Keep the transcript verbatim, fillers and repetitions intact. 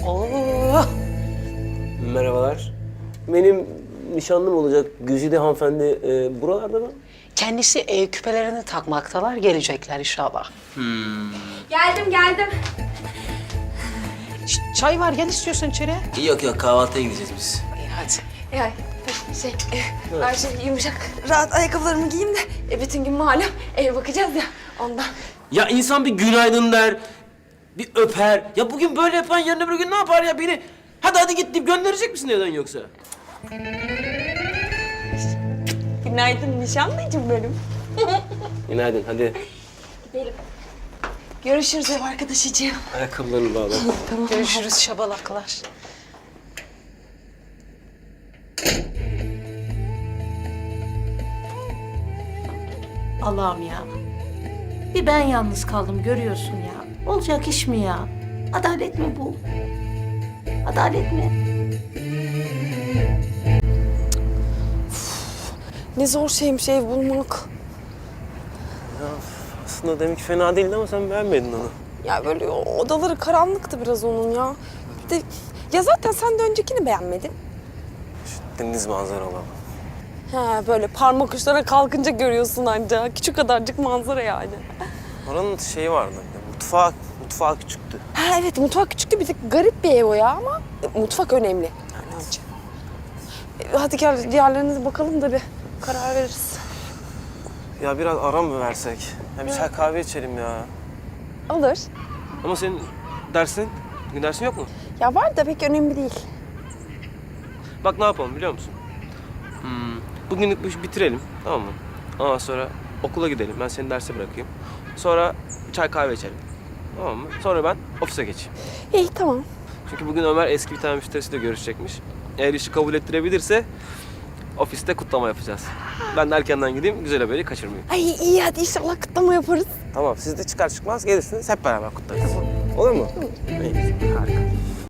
Oo. Merhabalar. Benim nişanlım olacak Güzide hanımefendi e, buralarda mı? Kendisi e, küpelerini takmaktalar, gelecekler inşallah. Geldim geldim. Ş- Çay var, gel istiyorsan içeri. Yok yok kahvaltıya gideceğiz biz. İyi hadi. Yani şey, e, her şey yumuşak. Rahat ayakkabılarımı giyeyim de e, bütün gün malum eve bakacağız ya ondan. Ya insan bir günaydın der, bir öper. Ya bugün böyle yapan yarın öbür gün ne yapar ya beni? Hadi hadi git deyip gönderecek misin evden yoksa? Günaydın nişanlıcım benim. Günaydın hadi. Gidelim. Görüşürüz ev arkadaşıcığım. Ayakkabılarını bağla. Görüşürüz şabalaklar. Allah'ım ya. Bir ben yalnız kaldım görüyorsun ya. Olacak iş mi ya? Adalet mi bu? Adalet mi? Ne zor şeymiş ev bulmak. Aslında demek ki fena değildi ama sen beğenmedin onu. Ya böyle odaları karanlıktı biraz onun ya. Bir de, ya zaten sen de öncekini beğenmedin. Deniz manzaralı. He böyle parmak uçlarına kalkınca görüyorsun anca. Küçük kadarcık manzara yani. Oranın şeyi vardı, mutfağı, mutfağı küçüktü. Ha evet mutfak küçüktü bir tık garip bir ev o ya ama e, mutfak önemli. Yani önce. E, hadi gel diğerlerine de bakalım da bir karar veririz. Ya biraz ara mı versek? Ya bir çay kahve içelim ya. Olur. Ama senin dersin, bugün dersin yok mu? Ya var da pek önemli değil. Bak ne yapalım biliyor musun? Hmm, bugünlük bu işi bitirelim, tamam mı? Ondan sonra okula gidelim, ben seni derse bırakayım. Sonra çay kahve içelim, tamam mı? Sonra ben ofise geçeyim. İyi tamam. Çünkü bugün Ömer eski bir tane müşterisiyle görüşecekmiş. Eğer işi kabul ettirebilirse ofiste kutlama yapacağız. Ben de erkenden gideyim, güzel haberi kaçırmayayım. Ay iyi hadi inşallah kutlama yaparız. Tamam, siz de çıkar çıkmaz gelirsiniz, hep beraber kutlarız. Olur mu? İyi, harika.